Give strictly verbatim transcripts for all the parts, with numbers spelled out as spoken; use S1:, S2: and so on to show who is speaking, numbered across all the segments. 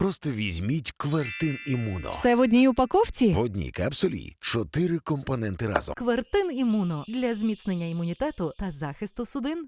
S1: Просто візьміть Квертин Імуно.
S2: Все в одній упаковці?
S1: В одній капсулі чотири компоненти разом.
S2: Квертин Імуно для зміцнення імунітету та захисту судин.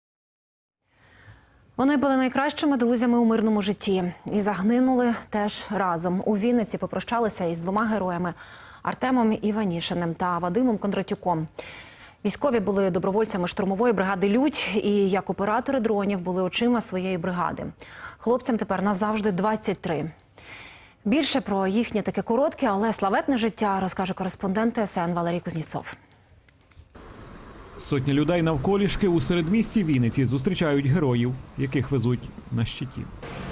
S3: Вони були найкращими друзями у мирному житті і загинули теж разом. У Вінниці попрощалися із двома героями – Артемом Іванішиним та Вадимом Кондратюком. Військові були добровольцями штурмової бригади «Людь» і, як оператори дронів, були очима своєї бригади. Хлопцям тепер назавжди двадцять три. Більше про їхнє таке коротке, але славетне життя розкаже кореспондент Т С Н Валерій Кузнєцов.
S4: Сотні людей навколішки у середмісті Вінниці зустрічають героїв, яких везуть на щиті.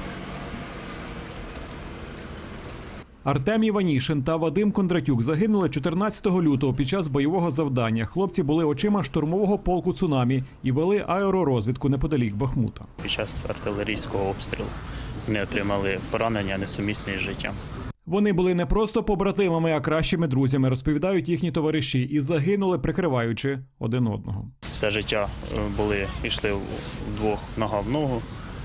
S4: Артем Іванішин та Вадим Кондратюк загинули чотирнадцятого лютого під час бойового завдання. Хлопці були очима штурмового полку «Цунамі» і вели аеророзвідку неподалік Бахмута.
S5: Під час артилерійського обстрілу вони отримали поранення, несумісні з життям.
S4: Вони були не просто побратимами, а кращими друзями, розповідають їхні товариші, і загинули, прикриваючи один одного.
S5: Все життя були, йшли вдвох нога в ногу,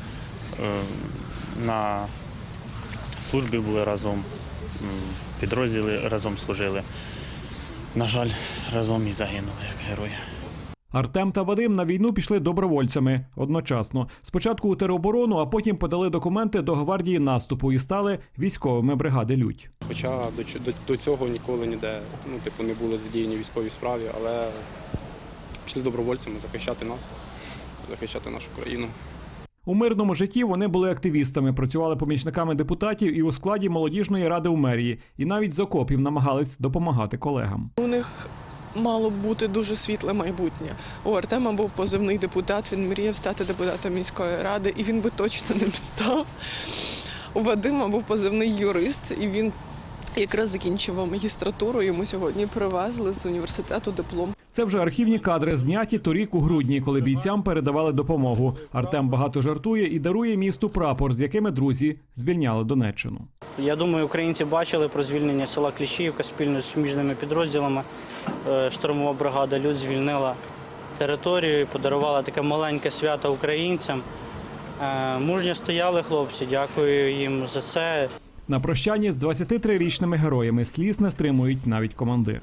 S5: на службі були разом, в підрозділі разом служили. На жаль, разом і загинули, як герої.
S4: Артем та Вадим на війну пішли добровольцями одночасно. Спочатку у тероборону, а потім подали документи до гвардії наступу і стали військовими бригади «Людь».
S6: Хоча до, до, до цього ніколи ніде, ну, типу, не були задіяні в військовій справі, але пішли добровольцями захищати нас, захищати нашу країну.
S4: У мирному житті вони були активістами, працювали помічниками депутатів і у складі молодіжної ради у мерії. І навіть з окопів намагались допомагати колегам.
S7: У них мало б бути дуже світле майбутнє. У Артема був позивний депутат, він мріяв стати депутатом міської ради, і він би точно ним став. У Вадима був позивний юрист, і він якраз закінчував магістратуру, йому сьогодні привезли з університету диплом.
S4: Це вже архівні кадри, зняті торік у грудні, коли бійцям передавали допомогу. Артем багато жартує і дарує місту прапор, з якими друзі звільняли Донеччину.
S8: Я думаю, українці бачили про звільнення села Кліщіївка спільно з суміжними підрозділами. Штурмова бригада «Людь» звільнила територію і подарувала таке маленьке свято українцям. Мужньо стояли хлопці, дякую їм за це.
S4: На прощанні з двадцятитрирічними героями сліз не стримують навіть командири.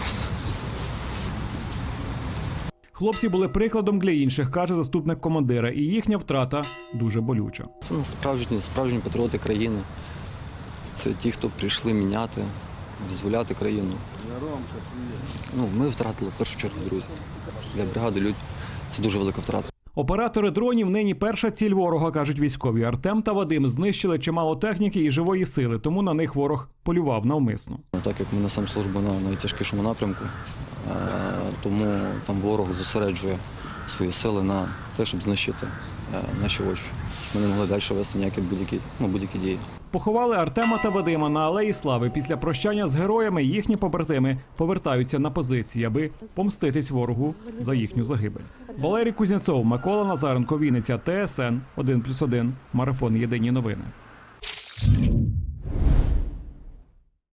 S4: Хлопці були прикладом для інших, каже заступник командира, і їхня втрата дуже болюча.
S9: Це справжні, справжні патріоти країни. Це ті, хто прийшли міняти, визволяти країну. Ну, ми втратили в першу чергу друзів. Для бригади «Людь» це дуже велика втрата.
S4: Оператори дронів нині перша ціль ворога, кажуть військові. Артем та Вадим знищили чимало техніки і живої сили, тому на них ворог полював навмисно.
S9: Так як ми несемо службу на найтяжкішому напрямку, тому там ворог зосереджує свої сили на те, щоб знищити наші очі. Ми не могли далі вести ніякі будь-які, ну, будь-які дії.
S4: Поховали Артема та Вадима на Алеї Слави. Після прощання з героями їхні побратими повертаються на позиції, аби помститись ворогу за їхню загибель. Валерій Кузнєцов, Микола Назаренко, Вінниця, Т С Н один плюс один, Марафон. Єдині новини.